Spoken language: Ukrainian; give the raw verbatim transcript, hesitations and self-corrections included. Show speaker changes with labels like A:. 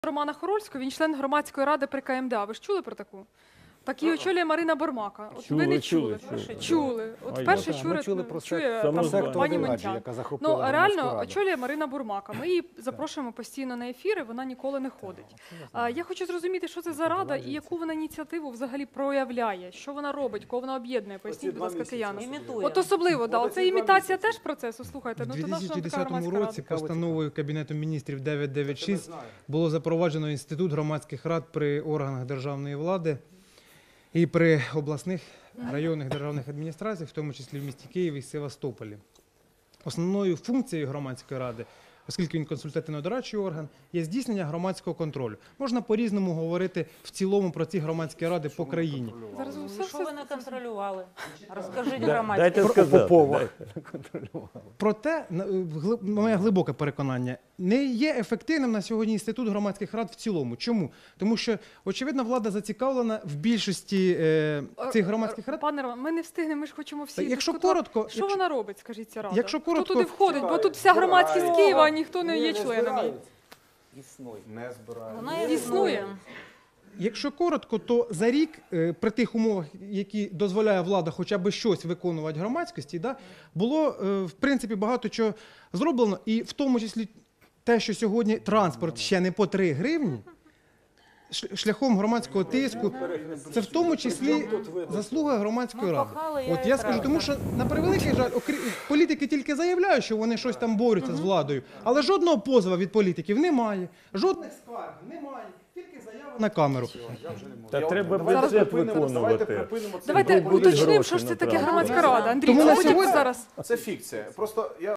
A: Романа Хорольського, він член громадської ради при ка ем де а. Ви ж чули про таку? Так її очолює Марина Бурмака. От
B: Чули,
A: ви не чули.
B: чули, чули.
A: Чули. От
B: А,
A: вперше
B: я-
A: чує,
C: Ми чули про
A: чує
C: сектор
A: там
B: сектор
A: пані
C: Владі,
A: Монтян.
C: яка
A: Ну,
C: захопила громадську
A: реально,
C: раду.
A: очолює Марина Бурмака. Ми її запрошуємо постійно на ефіри, вона ніколи не ходить. А, я хочу зрозуміти, що це за рада і яку вона ініціативу взагалі проявляє, що вона робить, кого вона об'єднує. Поясніть, будь ласка, киянам.
D: Імітує.
A: От особливо, да, оце імітація теж процесу, слухайте.
E: У
A: Ну, то наша така
E: дві тисячі десятому
A: громадська рада.
E: році постановою Кабінету міністрів дев'ятсот дев'яносто шість було запроваджено інститут громадських рад при органах державної влади і при обласних районних державних адміністраціях, в тому числі в місті Києві і Севастополі. Основною функцією громадської ради, оскільки він консультативно-дорадчий орган, є здійснення громадського контролю. Можна по-різному говорити в цілому про ці громадські ради по країні.
A: Зараз
D: Ну,
A: все,
D: що
A: все,
D: ви не контролювали? Розкажіть
B: Да-
D: громадські.
B: Дайте
C: Про
B: сказати.
C: Попова.
B: дайте.
E: Проте, на- гли- моє глибоке переконання, не є ефективним на сьогодні інститут громадських рад в цілому. Чому? Тому що, очевидно, влада зацікавлена в більшості е, цих громадських рад.
A: Пане Роман, ми не встигнемо, ми ж хочемо всі
E: Так, якщо
A: дискутувати.
E: коротко,
A: Що
E: якщо-
A: вона робить, скажіть, ця рада?
E: Якщо коротко-
A: Хто туди входить? Бо тут вся громадськість Києва, а ніхто не є членом її.
C: Не збирають.
D: Вона
A: Існує.
E: Якщо коротко, то за рік, е, при тих умовах, які дозволяє влада хоча б щось виконувати громадськості, да, було, е, в принципі, багато чого зроблено. І в тому числі те, що сьогодні транспорт ще не по три гривні, ш- шляхом громадського тиску, це в тому числі заслуга громадської
D: Ми
E: ради.
D: пахали,
E: От
D: я
E: я
D: і
E: скажу,
D: правда.
E: тому що на превеликий жаль, окрі- політики тільки заявляють, що вони щось там борються з владою, але жодного позову від політиків немає, жодних скарг немає, тільки заяви на камеру.
B: Та треба
C: Давайте
B: бюджет
C: припинимо, давайте
B: виконувати.
C: припинимо це.
A: Давайте
B: Будуть
A: уточнимо,
B: гроші
A: що ж це таке
B: направлені.
A: громадська рада. Андрій,
E: Тому на
A: це
E: сьогодні-
A: зараз.
C: Це фікція. Просто я